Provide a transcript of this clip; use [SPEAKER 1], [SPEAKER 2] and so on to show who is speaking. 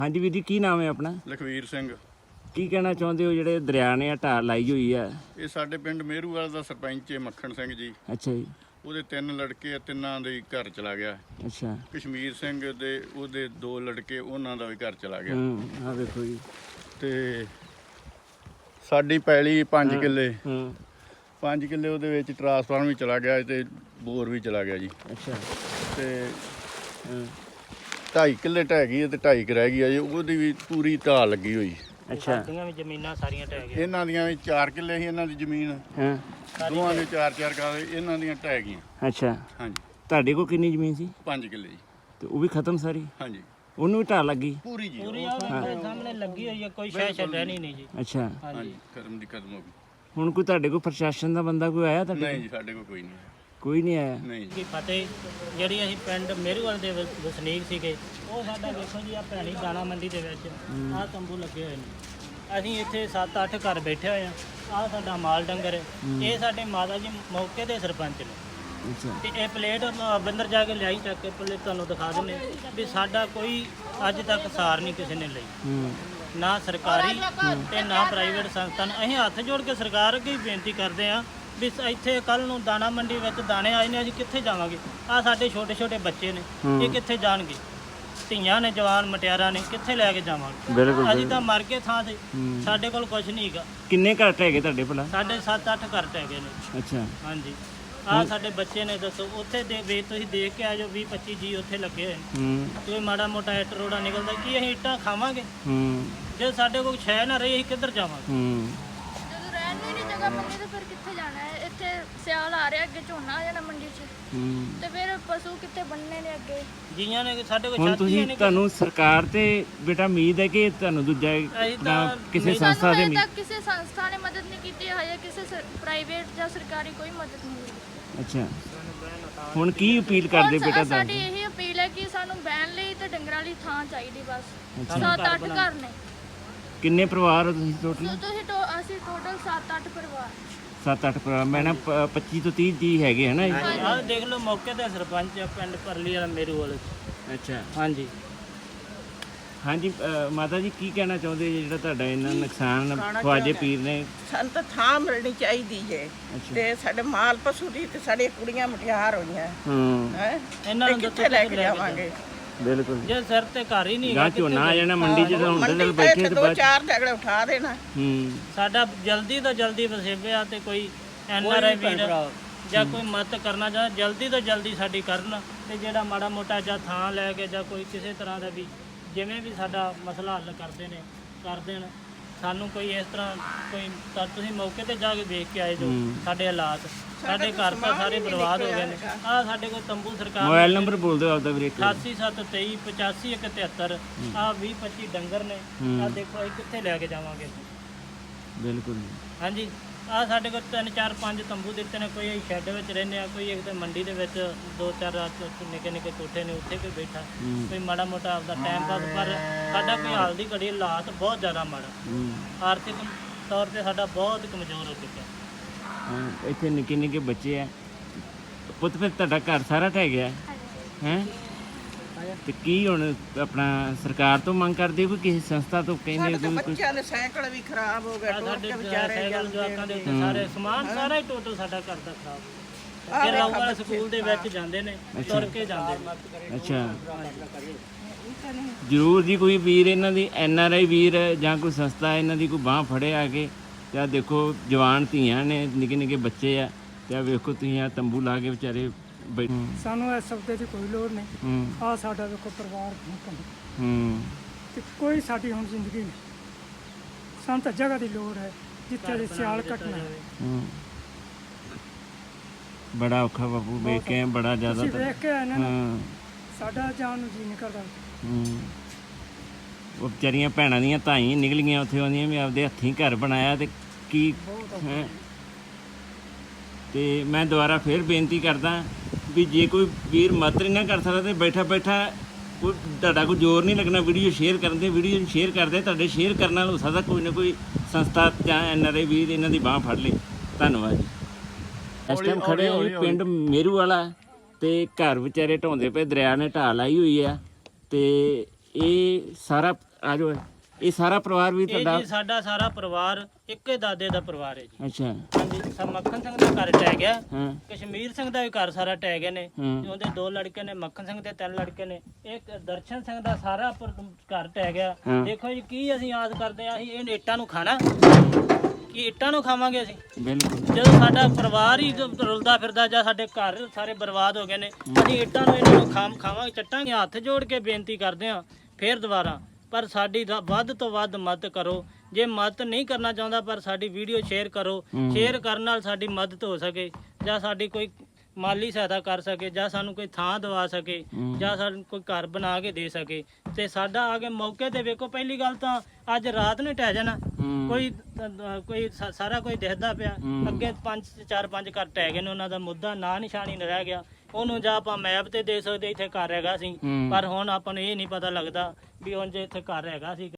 [SPEAKER 1] ਹਾਂਜੀ ਵੀਰ ਜੀ, ਕੀ ਨਾਮ ਹੈ ਆਪਣਾ?
[SPEAKER 2] ਲਖਵੀਰ ਸਿੰਘ।
[SPEAKER 1] ਕੀ ਕਹਿਣਾ ਚਾਹੁੰਦੇ ਹੋ ਜਿਹੜੇ ਦਰਿਆ ਨੇ ਢਾਹ ਲਾਈ ਹੋਈ ਆ?
[SPEAKER 2] ਇਹ ਸਾਡੇ ਪਿੰਡ ਮੇਰੂਵਾਲ ਦਾ ਸਰਪੰਚ ਹੈ ਮੱਖਣ ਸਿੰਘ ਜੀ।
[SPEAKER 1] ਅੱਛਾ ਜੀ।
[SPEAKER 2] ਉਹਦੇ 3 ਲੜਕੇ ਆ, ਤਿੰਨਾਂ ਦੇ ਘਰ ਚਲਾ ਗਿਆ।
[SPEAKER 1] ਅੱਛਾ।
[SPEAKER 2] ਕਸ਼ਮੀਰ ਸਿੰਘ ਦੇ ਉਹਦੇ 2 ਲੜਕੇ, ਉਹਨਾਂ ਦਾ ਵੀ ਘਰ ਚਲਾ ਗਿਆ।
[SPEAKER 1] ਆਹ ਦੇਖੋ ਜੀ।
[SPEAKER 2] ਤੇ ਸਾਡੀ ਪੈਲੀ 5 ਕਿੱਲੇ, 5 ਕਿੱਲੇ ਉਹਦੇ ਵਿੱਚ ਟਰਾਂਸਫਾਰਮ ਵੀ ਚਲਾ ਗਿਆ ਤੇ ਬੋਰ ਵੀ ਚਲਾ ਗਿਆ ਜੀ।
[SPEAKER 1] ਅੱਛਾ।
[SPEAKER 2] ਤੇ 2.5 ਕਿੱਲੇ ਢਹਿ ਗਈ ਤੇ 2.5 ਕੁ ਰਹਿ ਗਈ ਆ ਜੀ। ਉਹਦੀ ਵੀ ਪੂਰੀ ਢਾਹ ਲੱਗੀ ਹੋਈ।
[SPEAKER 1] ਅੱਛਾ।
[SPEAKER 3] ਸਾਡੀਆਂ ਵੀ ਜ਼ਮੀਨਾਂ ਸਾਰੀਆਂ ਢਹਿ ਗਈਆਂ।
[SPEAKER 2] ਇਹਨਾਂ ਦੀਆਂ ਵੀ 4 ਕਿੱਲੇ ਸੀ ਇਹਨਾਂ ਦੀ ਜ਼ਮੀਨ। ਦੋਵਾਂ ਦੇ 4-4 ਕਾਲੇ, ਇਹਨਾਂ ਦੀਆਂ ਢਹਿ ਗਈਆਂ।
[SPEAKER 1] ਅੱਛਾ।
[SPEAKER 2] ਹਾਂਜੀ।
[SPEAKER 1] ਤੁਹਾਡੇ ਕੋਲ ਕਿੰਨੀ ਜ਼ਮੀਨ ਸੀ?
[SPEAKER 2] 5 ਕਿੱਲੇ ਜੀ।
[SPEAKER 1] ਤੇ ਉਹ ਵੀ ਖਤਮ ਸਾਰੀ?
[SPEAKER 2] ਹਾਂਜੀ।
[SPEAKER 1] ਉਹਨੂੰ ਵੀ ਢਾਹ ਲੱਗੀ?
[SPEAKER 2] ਪੂਰੀ ਜੀ।
[SPEAKER 3] ਪੂਰੀ ਆ ਸਾਹਮਣੇ ਲੱਗੀ ਹੋਈ ਹੈ, ਕੋਈ ਸ਼ੈ ਛੱਡਣੀ ਨਹੀਂ ਜੀ।
[SPEAKER 1] ਅੱਛਾ।
[SPEAKER 2] ਹਾਂਜੀ, ਖਤਮ ਦੀ ਖਤਮ ਹੋ ਗਈ।
[SPEAKER 1] ਹੁਣ ਕੋਈ ਤੁਹਾਡੇ ਕੋਲ ਪ੍ਰਸ਼ਾਸਨ ਦਾ ਬੰਦਾ ਕੋਈ ਆਇਆ ਤੁਹਾਡੇ?
[SPEAKER 2] ਨਹੀਂ ਜੀ, ਸਾਡੇ ਕੋਲ ਕੋਈ ਨਹੀਂ।
[SPEAKER 1] ਕੋਈ ਨਹੀਂ ਆਇਆ?
[SPEAKER 2] ਨਹੀਂ
[SPEAKER 3] ਕਿ ਫਤਿਹ ਜਿਹੜੀ ਅਸੀਂ ਪਿੰਡ ਮੇਰੂਵਾਲ ਦੇ ਵਸਨੀਕ ਸੀਗੇ, ਉਹ ਸਾਡਾ ਵੇਖੋ ਜੀ ਆ ਭੈਣੀ ਦਾਣਾ ਮੰਡੀ ਦੇ ਵਿੱਚ ਆਹ ਤੰਬੂ ਲੱਗੇ ਹੋਏ ਨੇ। ਅਸੀਂ ਇੱਥੇ 7-8 ਘਰ ਬੈਠੇ ਹੋਏ ਆ। ਆਹ ਸਾਡਾ ਮਾਲ ਡੰਗਰ ਹੈ। ਇਹ ਸਾਡੇ ਮਾਤਾ ਜੀ ਮੌਕੇ ਦੇ ਸਰਪੰਚ ਨੇ।
[SPEAKER 1] ਅੱਛਾ।
[SPEAKER 3] ਤੇ ਇਹ ਪਲੇਟ ਬੰਦਰ ਜਾ ਕੇ ਲਿਆਈ ਚੱਕ ਕੇ ਪਲੇਟ ਤੁਹਾਨੂੰ ਦਿਖਾ ਦਿੰਦੇ ਵੀ ਸਾਡਾ ਕੋਈ ਅੱਜ ਤੱਕ ਸਾਰ ਨਹੀਂ ਕਿਸੇ ਨੇ ਲਈ, ਨਾ ਸਰਕਾਰੀ ਤੇ ਨਾ ਪ੍ਰਾਈਵੇਟ ਸੰਸਥਾ ਨੇ। ਅਸੀਂ ਹੱਥ ਜੋੜ ਕੇ ਸਰਕਾਰ ਅੱਗੇ ਹੀ ਬੇਨਤੀ ਕਰਦੇ ਹਾਂ ਵੀ ਇੱਥੇ ਕੱਲ ਨੂੰ ਦਾਣਾ ਮੰਡੀ ਵਿੱਚ ਦਾਣੇ ਆਏ ਨੇ, ਅਸੀਂ ਕਿੱਥੇ ਜਾਵਾਂਗੇ? ਆ ਸਾਡੇ ਛੋਟੇ ਛੋਟੇ ਬੱਚੇ ਨੇ, ਇਹ ਕਿੱਥੇ ਜਾਣਗੇ? ਧੀਆਂ ਨੇ, ਜਵਾਨ ਮਟਿਆਰਾਂ ਨੇ, ਕਿੱਥੇ ਲੈ ਕੇ ਜਾਵਾਂਗੇ?
[SPEAKER 1] ਬਿਲਕੁਲ।
[SPEAKER 3] ਅਸੀਂ ਤਾਂ ਮਰ ਕੇ ਥਾਂ ਤੇ, ਸਾਡੇ ਕੋਲ ਕੁਝ ਨਹੀਂ ਹੈਗਾ।
[SPEAKER 1] ਕਿੰਨੇ ਘਰ ਢਹਿ ਗਏ ਤੁਹਾਡੇ ਭਲਾ?
[SPEAKER 3] ਸਾਡੇ 7-8 ਘਰ ਟਹਿ ਗਏ ਨੇ।
[SPEAKER 1] ਅੱਛਾ।
[SPEAKER 3] ਹਾਂਜੀ। ਆਹ ਸਾਡੇ ਬੱਚੇ ਨੇ, ਦੱਸੋ ਉੱਥੇ ਦੇ ਵੇ ਤੁਸੀਂ ਦੇਖ ਕੇ ਆ ਜਾਓ, 20-25 ਜੀ ਉੱਥੇ ਲੱਗੇ ਹੋਏ। ਕੋਈ ਮਾੜਾ ਮੋਟਾ ਇੱਟ ਰੋੜਾ ਨਿਕਲਦਾ, ਕੀ ਅਸੀਂ ਇੱਟਾਂ ਖਾਵਾਂਗੇ? ਜੇ ਸਾਡੇ ਕੋਲ ਛੈ ਨਾ ਰਹੀ, ਅਸੀਂ ਕਿੱਧਰ ਜਾਵਾਂਗੇ?
[SPEAKER 4] ਜਦੋਂ ਰਹਿਣ ਨੂੰ ਨਹੀਂ ਜਗ੍ਹਾ ਮੰਡੀ ਤੇ ਫਿਰ ਕਿੱਥੇ ਜਾਣਾ ਹੈ? ਇੱਥੇ ਸਿਆਲ ਆ ਰਿਹਾ, ਅੱਗੇ ਝੋਨਾ ਆ ਜਾਣਾ ਮੰਡੀ 'ਚ, ਤੇ ਫਿਰ ਪਸ਼ੂ ਕਿੱਥੇ ਬੰਨਣੇ ਨੇ ਅੱਗੇ?
[SPEAKER 3] ਜੀਆਂ ਨੇ ਸਾਡੇ ਕੋਲ
[SPEAKER 1] ਹੁਣ
[SPEAKER 3] ਛਾਤੀ
[SPEAKER 1] ਤੁਸੀਂ
[SPEAKER 3] ਨਹੀਂ।
[SPEAKER 1] ਤੁਹਾਨੂੰ ਸਰਕਾਰ ਤੇ ਬੇਟਾ ਉਮੀਦ ਹੈ ਕਿ ਤੁਹਾਨੂੰ ਦੂਜਾ ਕਿਸੇ ਸੰਸਥਾ ਦੇ
[SPEAKER 4] ਹਜੇ ਤੱਕ ਕਿਸੇ ਸੰਸਥਾ ਨੇ ਮਦਦ ਨਹੀਂ ਕੀਤੀ, ਹਜੇ ਕਿਸੇ ਪ੍ਰਾਈਵੇਟ ਜਾਂ ਸਰਕਾਰੀ ਕੋਈ ਮਦਦ ਨਹੀਂ ਮਿਲੀ।
[SPEAKER 1] ਅੱਛਾ। ਹੁਣ ਕੀ ਅਪੀਲ ਕਰਦੇ ਬੇਟਾ?
[SPEAKER 4] ਸਾਡੀ ਇਹੀ ਅਪੀਲ ਹੈ ਕਿ ਸਾਨੂੰ ਬਹਿਣ ਲਈ ਤੇ ਡੰਗਰਾਂ ਲਈ ਥਾਂ ਚਾਹੀਦੀ ਬਸ। 7-8 ਘਰ ਨੇ।
[SPEAKER 1] ਕਿੰਨੇ ਪਰਿਵਾਰ ਹੋ ਤੁਸੀਂ ਟੋਟਲ?
[SPEAKER 4] ਅਸੀਂ ਟੋਟਲ 7-8 ਪਰਿਵਾਰ।
[SPEAKER 1] 7-8 ਪਰਿਵਾਰ। ਮੈਂ ਨਾ 25 ਤੋਂ 30 ਜੀ ਹੈਗੇ ਹੈ ਨਾ?
[SPEAKER 3] ਆਹ ਦੇਖ ਲਓ ਮੌਕੇ ਤੇ ਸਰਪੰਚ ਆ ਪਿੰਡ ਪਰਲੀ ਵਾਲਾ ਮੇਰੂਵਾਲ।
[SPEAKER 1] ਅੱਛਾ।
[SPEAKER 3] ਹਾਂਜੀ।
[SPEAKER 1] ਹਾਂਜੀ ਮਾਤਾ ਜੀ, ਕੀ ਕਹਿਣਾ ਚਾਹੁੰਦੇ ਜੀ ਜਿਹੜਾ ਤੁਹਾਡਾ ਇਹਨਾਂ ਨੁਕਸਾਨ ਖਵਾਜੇ ਪੀਰ ਨੇ?
[SPEAKER 5] ਸਾਨੂੰ ਤਾਂ ਥਾਂ ਮਿਲਣੀ ਚਾਹੀਦੀ ਹੈ ਤੇ ਸਾਡੇ ਮਾਲ ਪਸ਼ੂ ਦੀ ਤੇ ਸਾਡੇ ਕੁੜੀਆਂ ਮੁਟਿਆਰ ਹੋਈਆਂ ਹੈ।
[SPEAKER 3] ਇਹਨਾਂ ਨੂੰ
[SPEAKER 5] ਕਿੱਥੇ ਲੈ ਕੇ ਜਾਵਾਂਗੇ?
[SPEAKER 1] ਬਿਲਕੁਲ।
[SPEAKER 3] ਜੇ ਸਿਰ ਤੇ ਘਰ ਹੀ ਨਹੀਂ
[SPEAKER 1] ਗਾ ਝੋਨਾ ਆ ਜਾਣਾ ਮੰਡੀ 'ਚ, ਤਾਂ ਹੁਣ ਤਾਂ ਬੈਠੇ ਤੇ ਬਾਅਦ
[SPEAKER 5] 2-4 ਝਗੜੇ ਉਠਾ ਦੇਣਾ।
[SPEAKER 3] ਸਾਡਾ ਜਲਦੀ ਤੋਂ ਜਲਦੀ ਵਸੇਬਿਆ ਤੇ ਕੋਈ ਐਨਆਰਆਈ ਵੀਰ ਜਾਂ ਕੋਈ ਮਦਦ ਕਰਨਾ ਚਾਹੁੰਦਾ, ਜਲਦੀ ਤੋਂ ਜਲਦੀ ਸਾਡੀ ਕਰਨ। ਤੇ ਜਿਹੜਾ ਮਾੜਾ ਮੋਟਾ ਜਾਂ ਥਾਂ ਲੈ ਕੇ ਜਾਂ ਕੋਈ ਕਿਸੇ ਤਰ੍ਹਾਂ ਦਾ ਵੀ ਜਿਵੇਂ ਵੀ ਸਾਡਾ ਮਸਲਾ ਹੱਲ ਕਰਦੇ ਨੇ ਕਰ ਦੇਣ। ਸਾਨੂੰ ਕੋਈ ਇਸ ਤਰ੍ਹਾਂ ਕੋਈ ਤਾਂ ਤੁਸੀਂ ਮੌਕੇ ਤੇ ਜਾ ਕੇ ਦੇਖ ਕੇ ਆਏ ਜੋ ਸਾਡੇ ਹਾਲਾਤ, ਸਾਡੇ ਘਰ ਤਾਂ ਸਾਰੇ ਬਰਬਾਦ ਹੋ ਗਏ ਨੇ। ਆਹ ਸਾਡੇ ਕੋਲ ਤੰਬੂ ਸਰਕਾਰ
[SPEAKER 1] ਮੋਬਾਈਲ ਨੰਬਰ ਬੋਲ ਦਿਓ ਆਪਦਾ ਵੀਰੇ।
[SPEAKER 3] 8773285173। ਆਹ 20-25 ਡੰਗਰ ਨੇ। ਆਹ ਦੇਖੋ ਅਸੀਂ ਕਿੱਥੇ ਲੈ ਕੇ ਜਾਵਾਂਗੇ?
[SPEAKER 1] ਬਿਲਕੁਲ।
[SPEAKER 3] ਹਾਂਜੀ। ਆਹ ਸਾਡੇ ਕੋਲ 3-4-5 ਤੰਬੂ ਦਿੱਤੇ ਨੇ। ਕੋਈ ਅਸੀਂ ਸ਼ੈੱਡ ਵਿੱਚ ਰਹਿੰਦੇ ਆ, ਕੋਈ ਇੱਕ ਤੇ ਮੰਡੀ ਦੇ ਵਿੱਚ 2-4 ਨਿੱਕੇ ਨਿੱਕੇ ਕੋਠੇ ਨੇ, ਉੱਥੇ ਕੋਈ ਬੈਠਾ, ਕੋਈ ਮਾੜਾ ਮੋਟਾ ਆਪਦਾ ਟਾਈਮ ਪਾਸ। ਪਰ ਸਾਡਾ ਕੋਈ ਹਾਲ ਦੀ ਘੜੀ ਹਾਲਾਤ ਬਹੁਤ ਜ਼ਿਆਦਾ ਮਾੜਾ, ਆਰਥਿਕ ਤੌਰ ਤੇ ਸਾਡਾ ਬਹੁਤ ਕਮਜ਼ੋਰ ਹੋ ਚੁੱਕਿਆ।
[SPEAKER 1] ਇੱਥੇ ਨਿੱਕੇ ਨਿੱਕੇ ਬੱਚੇ ਆ ਪੁੱਤ। ਫਿਰ ਤੁਹਾਡਾ ਘਰ ਸਾਰਾ ਢਹਿ ਗਿਆ ਹੈ? ਤੇ ਕੀ ਹੁਣ ਆਪਣਾ ਸਰਕਾਰ ਤੋਂ ਮੰਗ ਕਰਦੇ ਹੋ ਕਿ ਕਿਸੇ ਸੰਸਥਾ ਤੋਂ? ਕਹਿੰਦੇ
[SPEAKER 5] ਸਾਡੇ ਬੱਚਿਆਂ ਦੇ ਸਾਈਕਲ ਵੀ ਖਰਾਬ ਹੋ ਗਏ, ਟੁੱਟ ਕੇ ਵਿਚਾਰੇ
[SPEAKER 3] ਸਾਈਕਲ ਜਵਾਕਾਂ ਦੇ ਉੱਤੇ ਸਾਰੇ ਸਮਾਨ ਸਾਰਾ ਹੀ ਟੋਟਲ ਸਾਡਾ ਘਰ ਦਾ ਖਰਾਬ। ਇਹ ਲਾਉਵਾਲ ਸਕੂਲ ਦੇ ਵਿੱਚ ਜਾਂਦੇ ਨੇ, ਤੁਰ ਕੇ ਜਾਂਦੇ ਨੇ।
[SPEAKER 1] ਅੱਛਾ। ਜ਼ਰੂਰ ਜੀ, ਕੋਈ ਵੀਰ ਇਹਨਾਂ ਦੀ ਐਨਆਰਆਈ ਵੀਰ ਜਾਂ ਕੋਈ ਸੰਸਥਾ ਇਹਨਾਂ ਦੀ ਕੋਈ ਬਾਂਹ ਫੜੇ ਆ ਕੇ। ਤੇ ਦੇਖੋ ਜਵਾਨ ਧੀਆਂ ਨੇ, ਨਿੱਕੇ ਨਿੱਕੇ ਬੱਚੇ ਆ। ਤੇ ਵੇਖੋ ਤੁਸੀਂ ਆ ਤੰਬੂ ਲਾ ਕੇ ਵਿਚਾਰੇ ਬੈਠੇ।
[SPEAKER 6] ਸਾਨੂੰ ਇਸ ਸਬਦੇ ਦੀ ਕੋਈ ਲੋੜ ਨਹੀਂ। ਆਹ ਸਾਡਾ ਵੇਖੋ ਪਰਿਵਾਰ ਤੇ ਕੋਈ ਸਾਡੀ ਹੁਣ ਜ਼ਿੰਦਗੀ ਨਹੀਂ। ਸਾਨੂੰ ਤਾਂ ਜਗ੍ਹਾ ਦੀ ਲੋੜ ਹੈ ਜਿੱਥੇ ਦੀ ਸਿਆਲ ਕੱਟਣਾ ਹੈ।
[SPEAKER 1] ਬੜਾ ਔਖਾ ਬਾਪੂ, ਵੇਖ ਕੇ ਬੜਾ ਜ਼ਿਆਦਾ।
[SPEAKER 6] ਤੁਸੀਂ ਵੇਖ ਕੇ ਆਏ ਨਾ, ਸਾਡਾ ਜਾਣ ਨੂੰ ਜੀ ਨਹੀਂ ਕਰਦਾ।
[SPEAKER 1] ਉਹ ਵਿਚਾਰੀਆਂ ਭੈਣਾਂ ਦੀਆਂ ਧਾਈ ਨਿਕਲ ਗਈਆਂ ਉੱਥੇ, ਆਉਂਦੀਆਂ ਵੀ ਆਪਦੇ ਹੱਥੀਂ ਘਰ ਬਣਾਇਆ ਤੇ ਕੀ ਹੈ। ਤੇ ਮੈਂ ਦੁਬਾਰਾ ਫਿਰ ਬੇਨਤੀ ਕਰਦਾ ਵੀ ਜੇ ਕੋਈ ਵੀਰ ਮਦਦ ਨਹੀਂ ਨਾ ਕਰ ਸਕਦਾ ਤੇ ਬੈਠਾ ਬੈਠਾ ਕੋਈ ਤੁਹਾਡਾ ਕੋਈ ਜ਼ੋਰ ਨਹੀਂ ਲੱਗਣਾ ਵੀਡੀਓ ਸ਼ੇਅਰ ਕਰਨ ਦੇ। ਵੀਡੀਓ ਨੂੰ ਸ਼ੇਅਰ ਕਰਦੇ, ਤੁਹਾਡੇ ਸ਼ੇਅਰ ਕਰਨ ਨਾਲ ਹੋ ਸਕਦਾ ਕੋਈ ਨਾ ਕੋਈ ਸੰਸਥਾ ਜਾਂ ਐਨਆਰਆਈ ਵੀਰ ਇਹਨਾਂ ਦੀ ਬਾਂਹ ਫੜ ਲੇ। ਧੰਨਵਾਦ ਜੀ। ਇਸ ਟਾਈਮ ਖੜੇ ਹਾਂ ਜੀ ਪਿੰਡ ਮੇਰੂਵਾਲਾ ਤੇ ਘਰ ਵਿਚਾਰੇ ਢਾਉਂਦੇ ਪਏ, ਦਰਿਆ ਨੇ ਢਾਹ ਲਾਈ ਹੋਈ ਆ। ਤੇ ਇਹ ਸਾਰਾ ਆ ਜਾਓ ਇਹ ਸਾਰਾ ਪਰਿਵਾਰ ਵੀ
[SPEAKER 3] ਇਹ
[SPEAKER 1] ਤੁਹਾਡਾ
[SPEAKER 3] ਜੀ ਸਾਡਾ ਸਾਰਾ ਪਰਿਵਾਰ ਇੱਕੇ ਦਾਦੇ ਦਾ ਪਰਿਵਾਰ ਹੈ ਜੀ।
[SPEAKER 1] ਅੱਛਾ
[SPEAKER 3] ਹਾਂਜੀ ਸਭ ਮੱਖਣ ਸਿੰਘ ਦਾ ਘਰ ਟਹਿ ਗਿਆ,
[SPEAKER 1] ਹਾਂ
[SPEAKER 3] ਕਸ਼ਮੀਰ ਸਿੰਘ ਦਾ ਵੀ ਘਰ ਸਾਰਾ ਟਹਿ ਗਏ ਨੇ।
[SPEAKER 1] ਹਾਂ।
[SPEAKER 3] ਤੇ ਉਹਦੇ 2 ਲੜਕੇ ਨੇ, ਮੱਖਣ ਸਿੰਘ ਦੇ 3 ਲੜਕੇ ਨੇ। ਇੱਕ ਦਰਸ਼ਨ ਸਿੰਘ ਦਾ ਸਾਰਾ ਘਰ ਟਹਿ ਗਿਆ।
[SPEAKER 1] ਹਾਂ।
[SPEAKER 3] ਦੇਖੋ ਜੀ ਕੀ ਅਸੀਂ ਆਸ ਕਰਦੇ ਆ, ਅਸੀਂ ਇਹ ਇੱਟਾਂ ਨੂੰ ਖਾਣਾ, ਕੀ ਇੱਟਾਂ ਨੂੰ ਖਾਵਾਂਗੇ ਅਸੀਂ?
[SPEAKER 1] ਬਿਲਕੁਲ
[SPEAKER 3] ਜਦੋਂ ਸਾਡਾ ਪਰਿਵਾਰ ਹੀ ਰੁਲਦਾ ਫਿਰਦਾ ਜਾਂ ਸਾਡੇ ਘਰ ਸਾਰੇ ਬਰਬਾਦ ਹੋ ਗਏ ਨੇ, ਅਸੀਂ ਇੱਟਾਂ ਨੂੰ ਇਹਨਾਂ ਨੂੰ ਖਾਵਾਂਗੇ, ਚੱਟਾਂਗੇ। ਹੱਥ ਜੋੜ ਕੇ ਬੇਨਤੀ ਕਰਦੇ ਆ ਫੇਰ ਦੁਬਾਰਾ, ਪਰ ਸਾਡੀ ਵੱਧ ਤੋਂ ਵੱਧ ਮਦਦ ਕਰੋ। ਜੇ ਮਦਦ ਨਹੀਂ ਕਰਨਾ ਚਾਹੁੰਦਾ ਪਰ ਸਾਡੀ ਵੀਡੀਓ ਸ਼ੇਅਰ ਕਰੋ, ਸ਼ੇਅਰ ਕਰਨ ਨਾਲ ਸਾਡੀ ਮਦਦ ਹੋ ਸਕੇ, ਜਾਂ ਸਾਡੀ ਕੋਈ ਮਾਲੀ ਸਹਾਇਤਾ ਕਰ ਸਕੇ, ਜਾਂ ਸਾਨੂੰ ਕੋਈ ਥਾਂ ਦਵਾ ਸਕੇ, ਜਾਂ ਸਾਨੂੰ ਕੋਈ ਘਰ ਬਣਾ ਕੇ ਦੇ ਸਕੇ। ਤੇ ਸਾਡਾ ਆ ਕੇ ਮੌਕੇ ਤੇ ਵੇਖੋ, ਪਹਿਲੀ ਗੱਲ ਤਾਂ ਅੱਜ ਰਾਤ ਨੂੰ ਟਹਿ ਜਾਣਾ, ਕੋਈ ਸਾਰਾ ਕੋਈ ਦਿਖਦਾ ਪਿਆ। ਅੱਗੇ 4-5 ਘਰ ਟਹਿ ਗਏ ਨੇ, ਉਹਨਾਂ ਦਾ ਮੁੱਦਾ ਨਾਂ ਨਿਸ਼ਾਨੀ ਨਹੀਂ ਰਹਿ ਗਿਆ। ਉਹਨੂੰ ਜਾਂ ਆਪਾਂ ਮੈਪ ਤੇ ਦੇ ਸਕਦੇ ਇੱਥੇ ਘਰ ਹੈਗਾ ਸੀ, ਪਰ ਹੁਣ ਆਪਾਂ ਨੂੰ ਇਹ ਨਹੀਂ ਪਤਾ ਲੱਗਦਾ ਵੀ ਹੁਣ ਜੇ ਇੱਥੇ ਘਰ ਹੈਗਾ ਸੀ।